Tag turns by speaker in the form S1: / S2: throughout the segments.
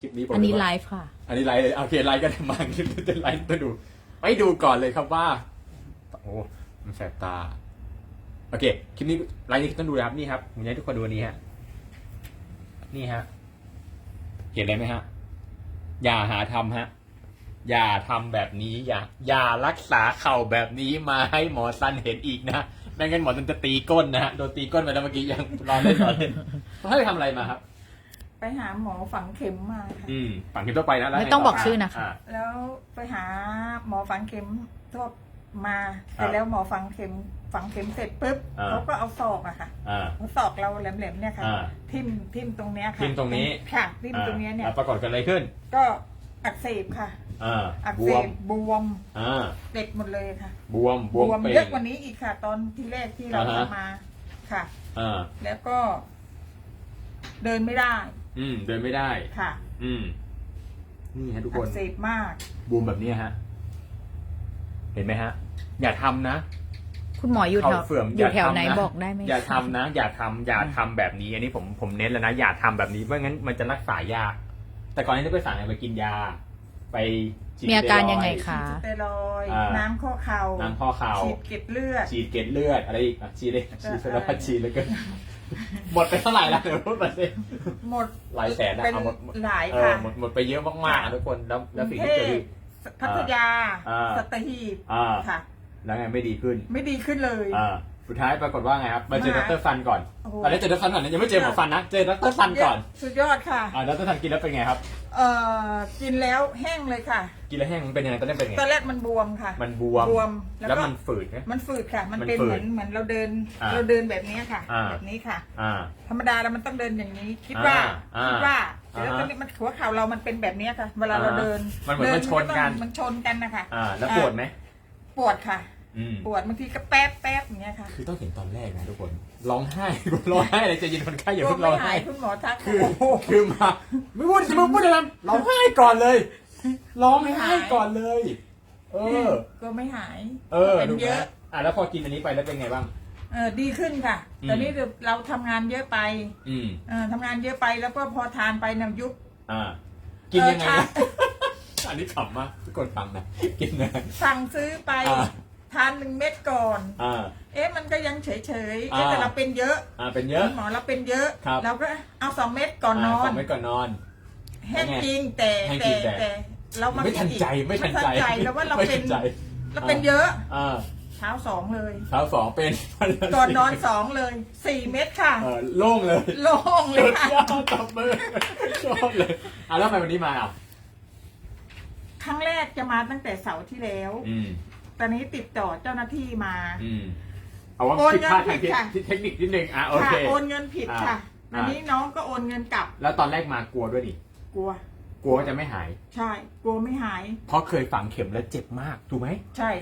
S1: ลิปนี้ผม
S2: อันนี้ไลฟ์ค่ะ
S1: อันนี้ไลฟ์เลยโอเคไลฟ์กันมาคลิปนี้จะไลฟ์ต้องดูไปดูก่อนเลยครับว่าโอ้มันแสบตาโอเคคลิปนี้ไลฟ์นี้ต้องดูนะครับนี่ครับผมอยากให้ทุกคนดูอันนี้ฮะนี่ฮะเห็นอะไรไหมฮะอย่าหาทำฮะอย่าทำแบบนี้อย่ารักษาเข่าแบบนี้มาให้หมอซันเห็นอีกนะไม่งั้นหมอซันจะตีก้นนะฮะโดนตีก้นไปแล้วเมื่อกี้ยังรอเล่นเขาให้ไปทำอะไรมาครับ
S3: ไปหาหมอฝังเข็มมาค่ะ
S1: ฝังเข็มทั่วไปนะแล้ว
S2: ไม่ต้องบอกชื่อนะคะ
S3: แล้วไปหาหมอฝังเข็มทั่วมาเสร็จแล้วหมอฝังเข็มเสร็จปุ๊บเขาก็เอาศอกอะค่ะเอาศอกเราแหลมๆเนี่ยค่ะทิ่มตรงเนี้ยค่ะ
S1: ทิ่มตรงนี้
S3: ค่ะทิ่มตรงเนี้ยเนี่ย
S1: แล้วปรากฏกันอะไรขึ้น
S3: ก็อักเสบค่ะอัก
S1: บ
S3: เส
S1: วม
S3: บบวมเด็กหมดเลยค่ะ
S1: บวมเป่ง
S3: เยอะกว่านี้อีกค่ะ ตอนที่แรกที่เราทำมาค่ะแล้วก็ เดินไม่ได้
S1: เดินไม่ได้
S3: ค่ะ
S1: นี่ฮะทุกค
S3: อั
S1: น
S3: กเสบมาก
S1: บวมแบบนี้ฮะเห็นไหมฮะอย่าทำนะ
S2: คุณหมออยู่แถว
S1: เสื่อม
S2: อยู่แถว
S1: ทำ
S2: ไหน
S1: นะ
S2: บอกได้ไหม
S1: อย่าทำนะอย่าทำแบบนี้อันนี้ผมเน้นแล้วนะอย่าทำแบบนี้เพราะงั้นมันจะรักษายาก แต่ก่อนนี้ไปสั่งไปกินยา ไปฉีด
S2: มีอาการยังไงคะ
S3: สเตียรอยด์น้ำข้อเข่า
S1: น้ำข้อเข่า
S3: ฉีดเกล็ดเลือด
S1: ฉีดเกล็ดเลือดอะไรอีกฉีดเลยฉีดสารพัดฉีดเลยก็หมดไปเท่าไหร่แล้วเดี๋ยวพูดมาสิ
S3: หมด
S1: หลายแสนนะ
S3: เป็น
S1: เอาหมด
S3: หลายค่ะ
S1: หมดไปเยอะมากๆทุกคนแล้วสิ่งที่เกิดขึ้น
S3: พัทยา
S1: า
S3: สัตหีบ ค่ะ
S1: แล้วไงไม่ดีขึ้น
S3: ไม่ดีขึ้นเลย
S1: สุดท้ายปรากฏว่าไงครับมาเจอดรฟันก่อน
S3: โอ้โห
S1: ตอนนี้เจอดรฟันก่อนนะยังไม่เจอหมอฟันนะเจอดรฟันก่อน
S3: สุดยอดค่ะ
S1: ดรฟันกินแล้วเป็นไงครับ
S3: กินแล้วแห้งเลยค่ะ
S1: กินแล้วแห้งมันเป็นยังไงตอนนี้เป็นไง
S3: ตอนแรกมันบวมค่ะ
S1: มันบวม
S3: แล้ว
S1: แล้ว
S3: ก็
S1: มันฝืดไหม
S3: มันฝืดค่ะ มัน
S1: มัน
S3: เป็น
S1: ฝื
S3: เห
S1: ด
S3: มือนเราเดิน
S1: อ่า
S3: เราเดินแบบนี้ค่ะ
S1: อ่า
S3: แบบนี้ค่ะ
S1: อ่า
S3: ธรรมดาแล้วมันต้องเดินอย่างนี้ คิดว่า
S1: อ่า
S3: แล้วตอนนี้มันหัวเข่าเรามันเป็นแบบนี้ค่ะ เวลาเราเดิน
S1: มันเหมือนมันชนกัน
S3: มันชนกันนะคะ
S1: แล้วปวดไหม
S3: ปวดค่ะ ปวดบางทีก็แป๊บอย่างเงี้ยค่ะ
S1: คือต้องเห็นตอนแรกนะทุกคนร้องไห้ร้องไห้เลยใจเย็นคนไข้อย่าเพิ่งร้องไห้
S3: คุณหมอทัก
S1: คือมาไม่พูดจะมาพูดอะไรร้องไห้ก่อนเลยร้องไห้ก่อนเลย
S3: ก็ไม่หาย
S1: เป็
S3: เป็น น
S1: เย
S3: เย
S1: อะ
S3: อะ
S1: แล้วพอกินอันนี้ไปแล้วเป็นไงบ้าง
S3: ดีขึ้นค่ะ ตอนนี้เราทำงานเยอะไปทำงานเยอะไปแล้วก็พอทานไปเนี่ยยุบ
S1: กินยังไงนะอันนี้ขำมากทุกคนฟังนะกินนะ
S3: สั่งซื้อไปทาน1 เม็ดก่อนมันก็ยังเฉยแต่เราเป็นเยอะ
S1: เป็นเยอะ
S3: หมอเราเป็นเยอะ
S1: ครับ
S3: เราก็เอา2 เม็ดก่อนนอน
S1: 2 เม็ดก่อนนอน
S3: แห้งจริงแต่
S1: แห้งจริงแต่
S3: เรามา
S1: ไม่ทันใจไม่ทันใจ
S3: แล้วว่าเรา
S1: ไม่
S3: เป็
S1: ทั
S3: น
S1: นใจ
S3: เราเป็นเยอะ
S1: เช้า
S3: เช้า2เลย
S1: 2เป็น
S3: ก่อนนอน2เลย4 เม็ดค่ะ
S1: โล่งเลย
S3: โล่งเลย
S1: สุด
S3: ค่ะ
S1: ยอดตบมือชอบเลยแล้วทำไมวันนี้มา
S3: ครั้งแรกจะมาตั้งแต่เสาร์ที่แล้วตอนนี้ติดต่อเจ้าหน้าที่มา
S1: เอาว่าผิดพลาดทางเทคนิคนิดนึงโอเค
S3: โอนเงินผิดค่ะอันนี้น้องก็โอนเงินกลับ
S1: แล้วตอนแรกมากลัวด้วยดิ
S3: กลัว
S1: ว่าจะไม่หาย
S3: ใช่ กลัวไม่หาย
S1: เพราะเคยฝังเข็มแล้วเจ็บมากถูกไหม
S3: ใช่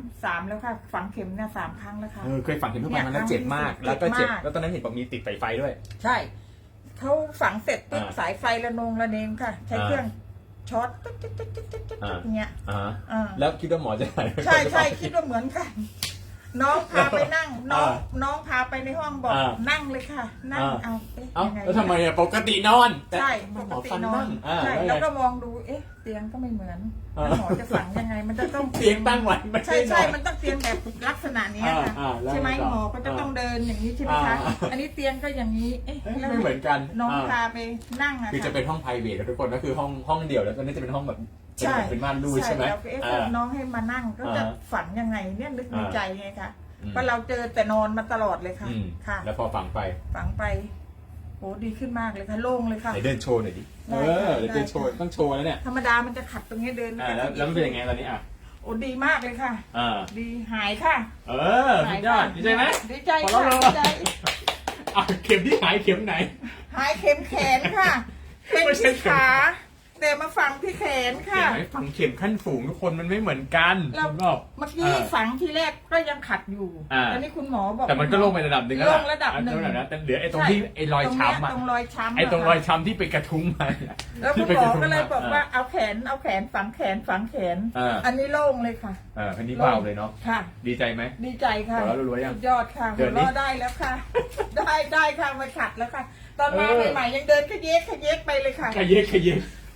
S3: 3แล้วค่ะ ฝังเข็มเนี่ย3 ครั้งแล้วค่ะ
S1: เคยฝังเข็มทุกวันมันแล้วเจ็บมาก แล้วก็เจ็บแล้วตอนนั้นเห็นบอกมีติดไฟด้วย
S3: ใช่เขาฝังเสร็จปุ๊บสายไฟระเนงค่ะ ใช้เครื่องช็อตตึ๊ดอย่างเงี้ย
S1: แล้วคิดว่าหมอจะหาย
S3: ใช่คิดว่าเหมือนกัน น้องพาไปนั่งน้องพาไปในห้องบอกนั่งเลยค่ะ นั่งเอายังไง
S1: แล้วทำไมปกตินอน
S3: ใช่ปกตินอนใช่แล้วก็มองดูเตียงก็ไม่เหมือนหมอจะฝังยังไงมันจะต้อง
S1: เตียงตั้งไว้ไม่
S3: ใช่มันต้องเตียงแบบลักษณะนี้ค่ะใช่ไหมหมอก็จะต้องเดินอย่างนี้ใช่ไหมคะอันนี้เตียงก็อย่างนี้
S1: ไม่เหมือนกัน
S3: น้องพาไปนั่งอะ
S1: คือจะเป็นห้องไพรเวททุกคนก็คือห้องเดี่ยวแล้วตอนนี้จะเป็นห้องแบบเป็นม่านรูดใช่ไหม
S3: แล้วน้องให้มานั่งก็จะฝันยังไงเนี่ยนึกในใจไงคะเพราะเราเจอแต่นอนมาตลอดเลยค่ะค่ะ
S1: แล้วพอฝังไป
S3: โอ้ดีขึ้นมากเลยค่ะโล่งเลยค่ะ
S1: ไหนเดินโชว์หน่อยดิเดี๋ยวเดินโชว์ต้องโชว์แล้วเนี่ย
S3: ธรรมดามันจะขัดตรงนี้เดิน
S1: แล้วมันเป็นยังไงตอนนี้
S3: โอ้ดีมากเลยค่ะดีหายค่ะ
S1: สุดยอดดีใจไหม
S3: ดีใจค่ะดีใจ
S1: เข็มที่หายเข็มไหน
S3: หายเข็มแขนค่ะเป็นที่ขาแต่มาฝังที่แขนค่ะ
S1: ฝังเข็มขั้นฝูงทุกคนมันไม่เหมือนกัน
S3: แล้วเมื่อกี้ฝังทีแรกก็ยังขัดอยู่ตอนนี้คุณหมอบอก
S1: แต่มันก็ลงไประดับหนึ่งแล้ว
S3: ลงระดับหนึ่ง
S1: แต่เหลือไอ้ตรงที่ไอ้รอยช้ำ
S3: ตรงรอยช้ำ
S1: ไอ้ตรงรอยช้ำที่เป็นกระทุ้งมา
S3: แล้วคุณหมอก็เลยบอกว่าเอาแขนฝังแขนอันนี้โล่งเลยค่ะ
S1: อันนี้เบาเลยเนาะ
S3: ค่ะ
S1: ดีใจไหม
S3: ดีใจค่ะสุดยอดค่ะหัวเราะได้แล้วค่ะได้ค่ะไม่ขัดแล้วค่ะตอนมาใหม่ๆยังเดินขยเยกไปเลยค่ะ
S1: ขยเยก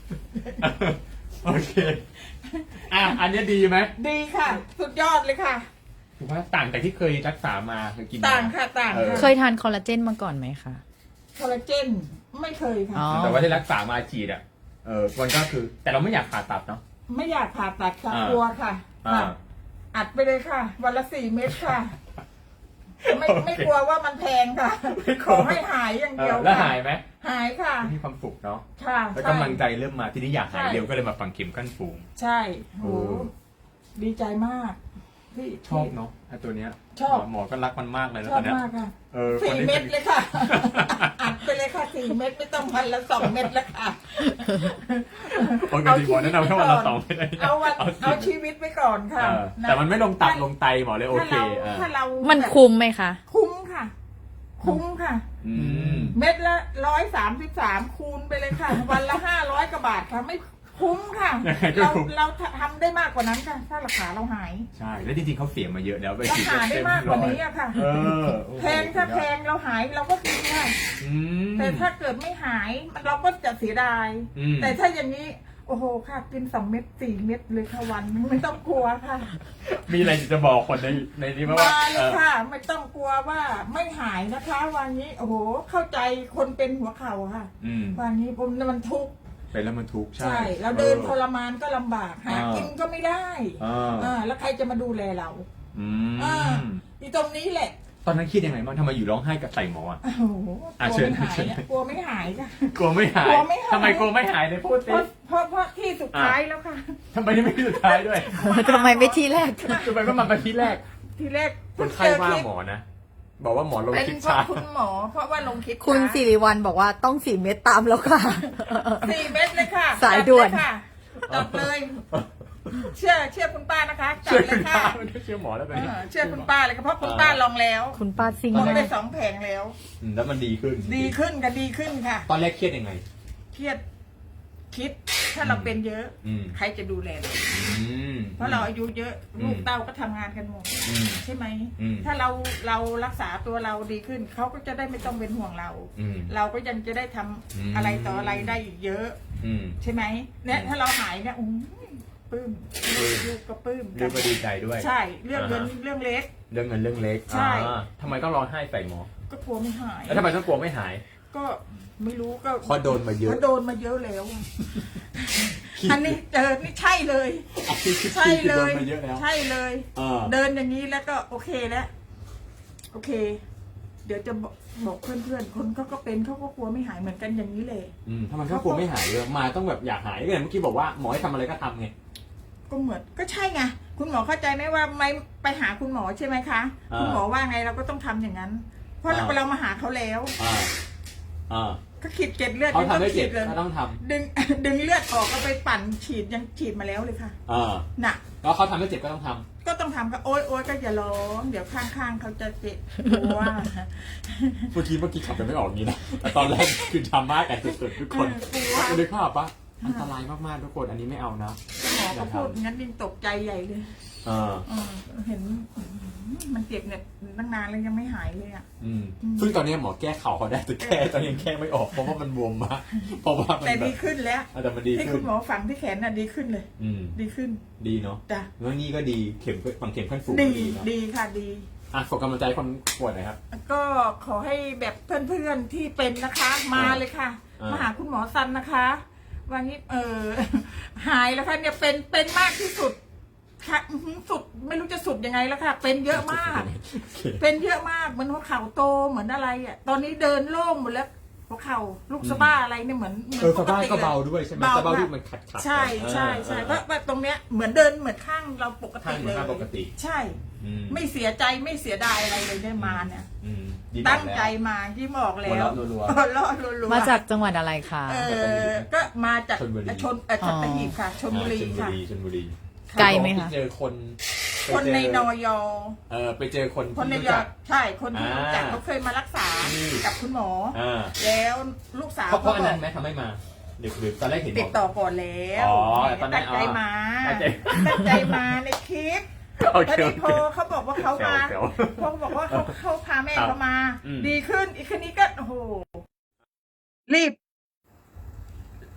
S1: โอเคอันนี้ดีไหม
S3: ดีค่ะ สุดยอดเลยค่ะ
S1: ถูกไหมต่างจากที่เคยรักษามาเคยกิน
S3: ต่างค่ะต่างค่ะ
S2: เคยทานคอลลาเจนมาก่อนไหมคะ
S3: คอลลาเจนไม่เคยค่ะ
S2: อ๋อ
S1: แต่ว่าที่รักษามาฉีดมันก็คือ แต่เราไม่อยากผ่าตัดเนาะ
S3: ไม่อยากผ่าตัดค่ะ
S1: อ่าก
S3: ลัวค่ะ
S1: อ่า
S3: ค่ะอัดไปเลยค่ะ วันละ4 เม็ดค่ะ ไม่
S1: โอเค
S3: ไม่กลัวว่ามันแพงค่ะ
S1: ไม่ก
S3: ข
S1: ลัว
S3: อให้หายอย่างเดียว
S1: แล้ว
S3: ค่ะ
S1: หายไหม
S3: หายค่ะ
S1: มีความสุขเนาะ
S3: ค่ะ
S1: แล้ว
S3: ใช่
S1: กำลังใจเริ่มมาทีนี้อยากหาย
S3: ใช่
S1: เร็วก็เลยมาฝังเข็มขั้นสูง
S3: ใช่โห
S1: โอ้
S3: ดีใจมากที่
S1: ชอบเนาะไอ้ตัวเนี้ย
S3: ชอบ
S1: หมอก็รักมันมากเลยนะ
S3: ชอ
S1: ตอบ นเนี้ย
S3: มากค่ะ
S1: คน
S3: 4
S1: นี้
S3: เม็ดเลยค่ะ อัดไปเลยค่ะ4 เม็ดไม่ต้องวันละ2 เม็ดแล้วค่ะ
S1: โอ้ยจริงๆหมอแนะนำแค่วันละ2 เม็ด
S3: เอาชีวิตไปก่อนค่ะ
S1: แต่มันไม่ลงตับลงไตหมอเลยโอเค
S3: ถ้าเรา
S2: มันคุ้มไหมคะ
S3: คุ้มค่ะ คุ้มค่ะ
S1: อืม
S3: เม็ดละ133คูณไปเลยค่ะ วันละ500กว่าบาทค่ะ ไม่คุ้มค่ะ เราทำได้มากกว่านั้นค่ะ ถ้าราคาเราหาย
S1: ใช่แล้วจริงๆเขาเสียมาเยอะแล้วไป
S3: เรา
S1: ฉีด
S3: หาได้มากกว่านี้อะค่ะ
S1: เออ
S3: แพงถ้าแพงเราหายเราก็กินค่ะ
S1: อืม
S3: แต่ถ้าเกิดไม่หายเราก็จะเสียดาย
S1: อืม
S3: แต่ถ้าอย่างนี้ โอ้โหค่ะ กิน2 เม็ด4 เม็ดเลยค่ะวันนึงไม่ต้องกลัวค่ะ
S1: มีอะไรจะบอกคนในนี้ไหมว่า
S3: มาเลยค่ะ ไม่ต้องกลัวว่าไม่หายนะคะวันนี้ โอ้โห เข้าใจคนเป็นหัวเข่าค่ะ
S1: อืม
S3: วันนี้ผมมันทุกข์
S1: เป็นแล้วมันทุกข์ใช่
S3: ใช่ เราเดินทรมานก็ลำบาก หา
S1: อ่า
S3: กินก็ไม่ได้ แล้วใครจะมาดูแลเรา
S1: อื
S3: อ่าม ที่ตรงนี้แหละ
S1: ตอนนั้นคิดยังไงบ้างทำไมอยู่ร้องไห้กับใส่หมออ่ะ
S3: โอ้โห
S1: อ่ะ
S3: กลั
S1: เชิ
S3: ว
S1: ญ
S3: ไม่หาย
S1: เชิญ
S3: อะกลัวไม่หายค่ะ
S1: กลัวไม่หาย
S3: กลัวไม่หาย
S1: ทำไมกลัวไม่หายเลยพูด
S3: เพ
S1: สิ
S3: ราะที่สุดท้ายแล้วค่ะ
S1: ทำไมไม่ที่สุดท้ายด้วย
S2: ทำไมไม่ที่แรก
S1: ทำไมก็มาเป็นที่แรก
S3: ทีแรก
S1: คนไข้ว่าหมอนะบอกว่าหมอลง
S3: เป็น
S1: คลิป
S3: เพราะ
S1: ช้า
S3: คุณหมอ เพราะว่าลงคลิป
S2: คุณสิริวัลบอกว่าต้อง4 เม็ดตามแล้วค่ะ
S3: 4 เม็ดเลยค่ะ
S2: สายด่วน
S3: จัดเลยค่ะเชื่อคุณป้านะคะจัด
S1: เชื่อ
S3: เล
S1: คุณ
S3: ย
S1: ป้า
S3: ค่ะ
S1: ไม่ได้เชื่อหมอแล้วตอนนี้
S3: เชื่อคุณป้าเลยค่ะเพราะคุณป้าลองแล้ว
S2: คุณป้าซิง
S3: ลอง
S2: มา
S3: ไป
S2: ก
S3: 2 แผงแล้ว
S1: แล้วมันดีขึ้น
S3: ดีขึ้นค่ะดีขึ้นค่ะ
S1: ตอนแรกเครียดยังไง
S3: เครียดคิดถ้าเราเป็นเยอะ
S1: อืม
S3: ใครจะดูแลเรา
S1: อืม
S3: เพราะเราอายุเยอะ
S1: อืม
S3: ลูกเต้าก็ทำงานกันหมด
S1: อืม
S3: ใช่ไหม
S1: อืม
S3: ถ้าเรารักษาตัวเราดีขึ้นเขาก็จะได้ไม่ต้องเป็นห่วงเรา
S1: อืม
S3: เราก็ยังจะได้ทำ
S1: อืม
S3: อะไรต่ออะไรได้อีกเยอะ
S1: อืม
S3: ใช่ไหมเนี่ยถ้าเราหายเนี่ยปลื้มลูกก็ปลื้ม
S1: เรื่องก็ดีใจด้วย
S3: ใช่เรื่องเงิน
S1: อ่าฮะ
S3: เรื่องเล็ก
S1: เรื่องเงินเรื่องเล็ก
S3: ใช่
S1: ทำไมต้องร้องไห้ใส่หมอ
S3: ก็กลัวไม่หาย
S1: แล้วทำไมต้องกลัวไม่หาย
S3: ก็ไม่รู้ก็
S1: เพราะโดนมาเยอะ
S3: เพราะโดนมาเยอะแล้ว อันนี้เจอนี่ใช่เลย ใช่เลย
S1: โดนมาเยอะแล้ว
S3: ใช่เลย
S1: อ่า
S3: เดินอย่างนี้แล้วก็โอเคแล้วโอเค เดี๋ยวจะบอกเพื่อนๆคนเขาก็เป็นเขาก็กลัวไม่หายเหมือนกันอย่างนี้เลย
S1: ทำไมต้องกลัวไม่หายเลยมาต้องแบบอยากหายก็อย่างเมื่อกี้บอกว่าหมอให้ทำอะไรก็ทำไง
S3: ก็เหมือนก็ใช่ไงคุณหมอเข้าใจไหมว่าไม่ไปหาคุณหมอใช่ไหมคะ
S1: อ่า
S3: คุณหมอว่าไงเราก็ต้องทำอย่างนั้น เพราะ
S1: อ่า
S3: เรามาหาเขาแล้ว
S1: อ่าอ่า
S3: ก็ขีดเกล็ดเลือด
S1: เขาทำให้เจ็บ
S3: เลย
S1: ก็ต้องท
S3: ดึง ดึงเลือดออกก็ไปปั่นฉีดยังฉีดมาแล้วเลยค่ะ
S1: ำอ่า
S3: น่ะ
S1: แล้วเขาทำให้เจ็บก็ต้องท
S3: ก็ต้องทำก็โอ๊ยโอ๊ยก็อย่าร้องเดี๋ยวข้างๆเขาจะเจ็บกลัว
S1: ำเมื่อกี้ขับกันไม่ออกนี้นะแต่ตอนแรกคือทำมากกันสุดๆทุกคน
S3: กลัว
S1: นึกภาพปะอันตรายมากๆทุกคนอันนี้ไม่เอานะ
S3: หมอก็พูดงั้นยิ่งตกใจใหญ่เลย
S1: อ่า
S3: เห็นมันเจ็บเนี่ยตั้งนานแล้วยังไม่หายเลยอ่ะ
S1: ซึ่งตอนนี้หมอแก้เข่าเขาได้แต่แก้ตอนยังแก้ไม่ออกเพราะว่ามันบวมมากเพราะว่ามัน
S3: แต่
S1: แบ
S3: ดี
S1: บ
S3: ขึ้นแล้ว
S1: แต่มันดี
S3: ที่
S1: ขึ้
S3: คุ
S1: น
S3: ณหมอฝังที่แขนน่ะดีขึ้นเลย
S1: อืม
S3: ดีขึ้น
S1: ดีเนาะ
S3: จ้ะ
S1: แล้วนี่ก็ดีเข็มฝังเข็มขั้นสูง
S3: ดี
S1: ก็ดีเนาะ
S3: ดีค่ะดี
S1: อ่ะส่งกำลังใจคนป่วยหน่อยครับ
S3: ก็ขอให้แบบเพื่อนๆที่เป็นนะคะ มาเลยค่ะ
S1: อ่าม
S3: มาหาคุณหมอซันนะคะวันนี้หายแล้วค่ะเนี่ยเป็นมากที่สุดค่ะสุดไม่รู้จะสุดยังไงแล้วค่ะ เป็นเยอะมาก เป็นเยอะมากเหมือนหัวเข่าโตเหมือนอะไรอ่ะตอนนี้เดินโล่งหมดแล้วหัวเข่าลูกสะบ้าอะไรเนี่ยเหมือน
S1: สบายก็เบาด้วยใช่ไหม
S3: เบา
S1: สบาย
S3: ค่ะ
S1: ที่มันขัด
S3: ใช่ใช่ใช่เพราะว่าตรงเนี้ยเหมือนเดินเหมือนข้างเราปก
S1: ข้า
S3: ติ
S1: งเหมื
S3: เล
S1: อน
S3: ย
S1: ข้างปกติ
S3: ใช่ ไม่เสียใจไม่เสียดายอะไรเลยได้มาเนี่ย
S1: ดี
S3: ตั้งใจมาที่บอกแล้ว
S1: รัว
S3: หัวเราะรัวๆ
S2: มาจากจังหวัดอะไรคะ
S3: ก็มาจาก
S1: ชลบุรี
S3: สัตหีบค่ะชลบุรีค่ะ
S1: ชลบุรี
S2: ไกลไหมคะ
S1: ไปเจอคน
S3: คนในนอย
S1: ไปเจอคน
S3: คนใน
S1: ที่
S3: ย
S1: รู้
S3: อ
S1: จัก
S3: ใช่คนที่รู้จัก
S1: อ่า
S3: เขาเคยมารักษา
S1: อืม
S3: กับคุณหมอ
S1: อ่า
S3: แล้วลูกสาว
S1: เพราะอันนั้นไหมทำให้มาหรือตอนแรกเห็น
S3: ติดต่อก่อนแล้ว
S1: อ๋อตอนนั้น
S3: ตั้งใจมา
S1: ตั้งใจ
S3: ตั้งใจมาในคลิป
S1: โอเค
S3: พอดีพอเขาบอกว่าเขามา
S1: แซว
S3: เขาบอกว่าเขาพาแม่เขามา
S1: อืม
S3: ดีขึ้นอีกคนนี้ก็โอ้โหรีบ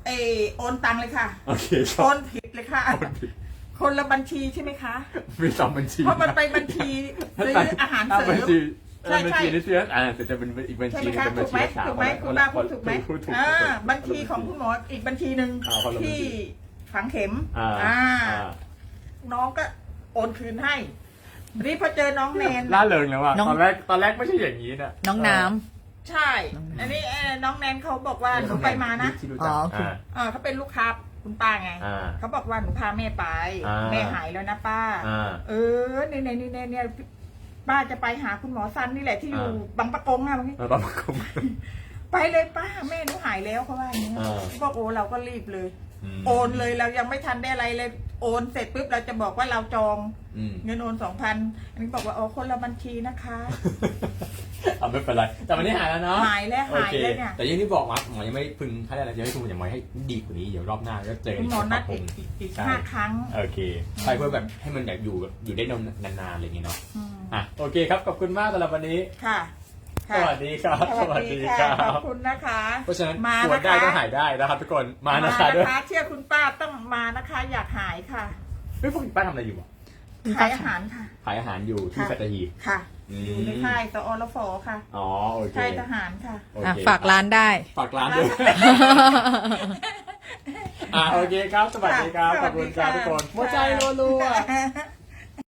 S3: โอนตังเลยค่ะ
S1: โอเคค
S3: โอ
S1: รับ
S3: นผิดเลยค่ะ
S1: โอนผิด
S3: คนละบัญชีใช่ไหมคะ
S1: มีสองบัญชี
S3: เพราะมันไปบัญชีซื้ออาหารเสริ
S1: บัญ
S3: ม
S1: ชี
S3: ใช่
S1: บัญ
S3: ใช่
S1: ชีนี่เชื่อแต่จะเป็นอีกบัญ
S3: ใช่
S1: ชี
S3: ไหม
S1: หนึง
S3: คะ
S1: เป็นบั
S3: ถู
S1: ญ
S3: กไหม
S1: ชีรักษา
S3: ถูกไหมคุณป้าพูดถูกไหม
S1: ถูก
S3: บัญชีของคุณหมออีกบัญชีหนึ่ง
S1: คนละบัญชี
S3: ที่ฝังเข็ม
S1: อ่า
S3: น้องก็โอนคืนให้รีบพอเจอน้องแนน
S1: ล่าเริงแล้วว่ะ
S2: น้อง
S1: ตอนแรกไม่ใช่อย่างนี้นะ
S2: น้องน้
S3: ใช่ อันนี้น้องแนนเขาบอกว่าหนูไปมานะ
S1: ที่รู้จัก
S2: อ๋อคือ
S3: เขาเป็นลูกค้าคุณป้าไง เขาบอกว่าหนูพาแม่ไป แม่หายแล้วนะป้า เนี่ยป้าจะไปหาคุณหมอซันนี่แหละที่อยู่บางปะกงอะบางที
S1: ประมาณคุม
S3: ไปเลยป้าแม่หนูหายแล้วเขาว่าอย่างนี้
S1: อ่า
S3: บอกโอ้เราก็รีบเลย โอนเลยเรายังไม่ทันได้อะไรเลย โอนเสร็จปุ๊บเราจะบอกว่าเราจอง เงินโอน 2,000 อันนี้บอกว่าอ๋อคนละบัญชีนะคะ
S1: เอาไม่เป็นไรแต่วันนี้หายแล้วเนาะ
S3: หายแล้ว
S1: โอ
S3: หาย
S1: เค
S3: แล้วเนี่ย
S1: แต่อยังที่บอกว่าหมอยังไม่พึงถ้าได้อะไรจะให้คุณยังไม่ให้ดีกว่านี้เดี๋ยวรอบหน้าก็เจอ
S3: คุณหมอนัด
S1: ผ
S3: อีก
S1: ใช่
S3: 5 ครั้ง
S1: โอเคใช่เพื่อแบบให้มันแบบอยู่ได้นานๆอะไรอย่างเงี้ยเนาะ
S3: อืม
S1: โอเคครับขอบคุณมากสำหรับวันนี้
S3: ค่ะ
S1: สวัสดีครับ
S3: สวัสดีค่ะขอบคุณนะคะ
S1: เพราะฉะนั้น
S3: มา
S1: ปวด
S3: นะ
S1: ได้
S3: คะ
S1: ต้องหายได้นะครับทุกคนมา
S3: มา
S1: นะคะด้วย
S3: นะคะเชื่อคุณป้าต้องมานะคะ อยากหายค่ะ
S1: เฮ้ยพวกคุณป้าทำอะไรอยู่อ่ะ
S3: ขายอาหารค่ะ
S1: ขายอาหารอยู่ที่
S3: ค่ะ
S1: สัตหีบ
S3: ค่ะ
S1: อืม
S3: อยู่ในค่ายตอรฟค่ะ
S1: อ๋อโอเค
S3: ค่ายทหารค่ะ
S1: โอ
S2: ำอ่ะ
S1: เค
S2: ฝากร้านได้
S1: ฝากร้านด้วยโอเคครับสวัสดีครับขอบคุณครับทุกคนหัวใจรัวๆ